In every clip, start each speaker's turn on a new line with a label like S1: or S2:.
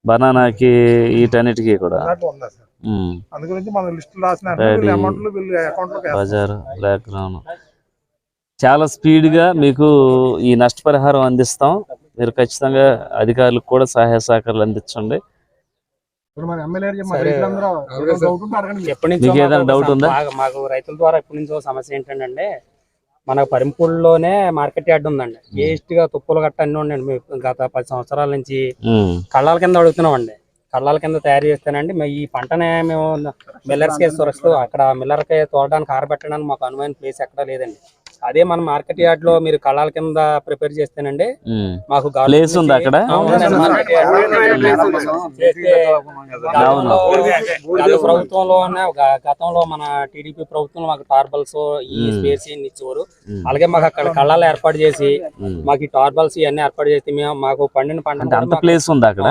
S1: బనానాకి వీటన్నిటికీ కూడా బజారు బ్లాక్ గ్రౌండ్ చాలా స్పీడ్గా మీకు ఈ నష్టపరిహారం అందిస్తాం. మీరు ఖచ్చితంగా అధికారులకు కూడా సహాయ సహకారాలు అందించండి. మీకు ఏదైనా డౌట్ ఉందా?
S2: మాకు రైతుల ద్వారా ఎప్పటి నుంచో సమస్య ఏంటంటే మన పరింపుల్లోనే మార్కెట్ యార్డ్ ఉందండి. వేస్ట్ గా తుప్పులు గట్ట అన్ని ఉండండి. గత 10 సంవత్సరాల నుంచి కళ్ళాల కింద అడుగుతున్నామండి. కళ్ళాల కింద తయారు చేస్తానండి. ఈ పంటనే మేము మిల్లర్స్ కి సురక్షితం అక్కడ మిల్లర్ కి తోడడానికి ఆరబెట్టడానికి మాకు అనువైన ప్లేస్ ఎక్కడా లేదండి. అదే మన మార్కెట్ యార్డ్ లో మీరు కళ్ళాల కింద ప్రిపేర్ చేస్తేనండి మాకు
S1: ప్లేస్ ఉంది అక్కడ.
S2: ప్రభుత్వంలోనే గతంలో మన టీడీపీ ప్రభుత్వం మాకు టార్బల్స్ ఈ స్పేస్ ఇచ్చేవారు. అలాగే మాకు అక్కడ కళ్ళాలు ఏర్పాటు చేసి మాకు ఈ టార్బల్స్ ఇవన్నీ ఏర్పాటు చేసి మేము మాకు పండిన పంట
S1: అంత ప్లేస్ ఉంది అక్కడ.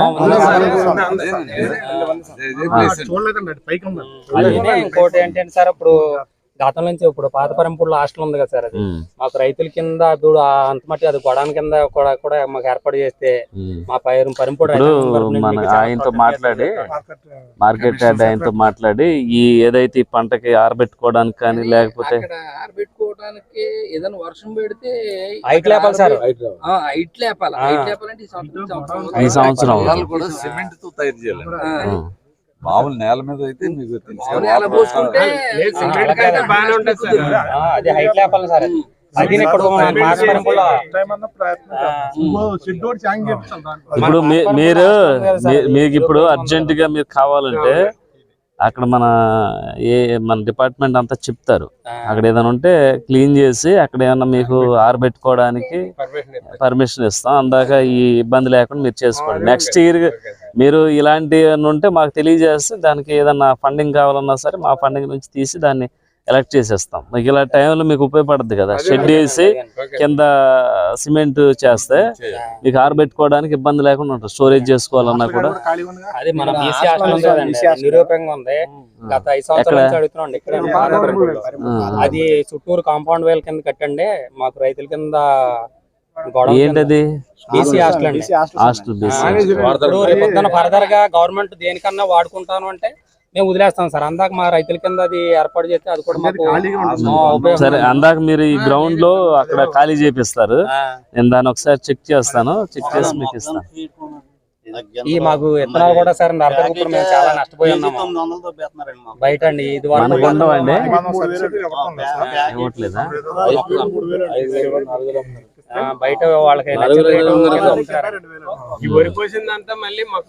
S2: ఇంకోటి ఏంటంటే సార్ ఇప్పుడు గతం నుంచి ఇప్పుడు పాత పరంపూర్లో హాస్టల్ ఉంది కదా సార్, అది మాకు రైతుల కింద అంత మట్టి అది గొడాన్ కింద కూడా మాకు ఏర్పాటు చేస్తే మా పరంపూర్
S1: ఆయనతో మాట్లాడి మార్కెట్ యార్డ్ ఆయనతో మాట్లాడి ఈ ఏదైతే ఈ పంటకి ఆరబెట్టుకోవడానికి కానీ లేకపోతే
S3: ఆరబెట్టుకోవడానికి ఏదైనా వర్షం పెడితే
S2: హైట్ లేపాలి సార్.
S3: హైట్ లేపాలంటే
S1: ఈ సంవత్సరం
S4: సిమెంట్ తో తయారు చేయాలి. మామూలు నేల మీద అయితే మీకు
S2: అది హైట్ లేపాలి సార్.
S1: ఇప్పుడు మీకు ఇప్పుడు అర్జెంట్ గా మీరు కావాలంటే అక్కడ మన డిపార్ట్మెంట్ అంతా చెప్తారు. అక్కడ ఏదైనా ఉంటే క్లీన్ చేసి అక్కడ ఏమన్నా మీకు ఆరబెట్టుకోవడానికి పర్మిషన్ ఇస్తాం. అందాక ఈ ఇబ్బంది లేకుండా మీరు చేసుకోండి. నెక్స్ట్ ఇయర్ మీరు ఇలాంటి ఉంటే మాకు తెలియజేస్తే దానికి ఏదన్నా ఫండింగ్ కావాలన్నా సరే మా ఫండింగ్ నుంచి తీసి దాన్ని ఎలక్ట్ చేసేస్తాం. మీకు ఇలా టైంలో మీకు ఉపయోగపడుతుంది కదా. షెడ్ వేసి కింద సిమెంట్ చేస్తే మీకు ఆరబెట్టుకోవడానికి ఇబ్బంది లేకుండా ఉంటుంది. స్టోరేజ్ చేసుకోవాలన్నా కూడా
S2: అది మన నిరూపంగా ఉంది. గత 5 సంవత్సరాల నుంచి అడుగుతున్నాండి. ఇక్కడ అది చుట్టూరు కాంపౌండ్ వేల్ కింద కట్టండి మాకు రైతుల కింద.
S1: ఏంటది?
S2: బీసీ హాస్టల్ అండి. హాస్టల్ ఫర్దర్ గా గవర్నమెంట్ దేనికన్నా వాడుకుంటాను అంటే మేము వదిలేస్తాం సార్. అందాక మా రైతుల కింద అది ఏర్పాటు చేస్తే అది కూడా మాకు
S1: సరే. అందాక మీరు ఈ గ్రౌండ్ లో అక్కడ ఖాళీ చేపిస్తారు. నేను దాన్ని ఒకసారి చెక్ చేస్తాను. చెక్ చేసి మీకు ఇస్తాను.
S2: ఈ మాకు విత్తనాలు కూడా సార్ మేము చాలా నష్టపోయి ఉన్నాము బయట అండి. ఇది
S1: ఉండవండి ఇవ్వట్లేదా?
S2: బయట వాళ్ళకి
S3: వరి పోసిందంతా మళ్ళీ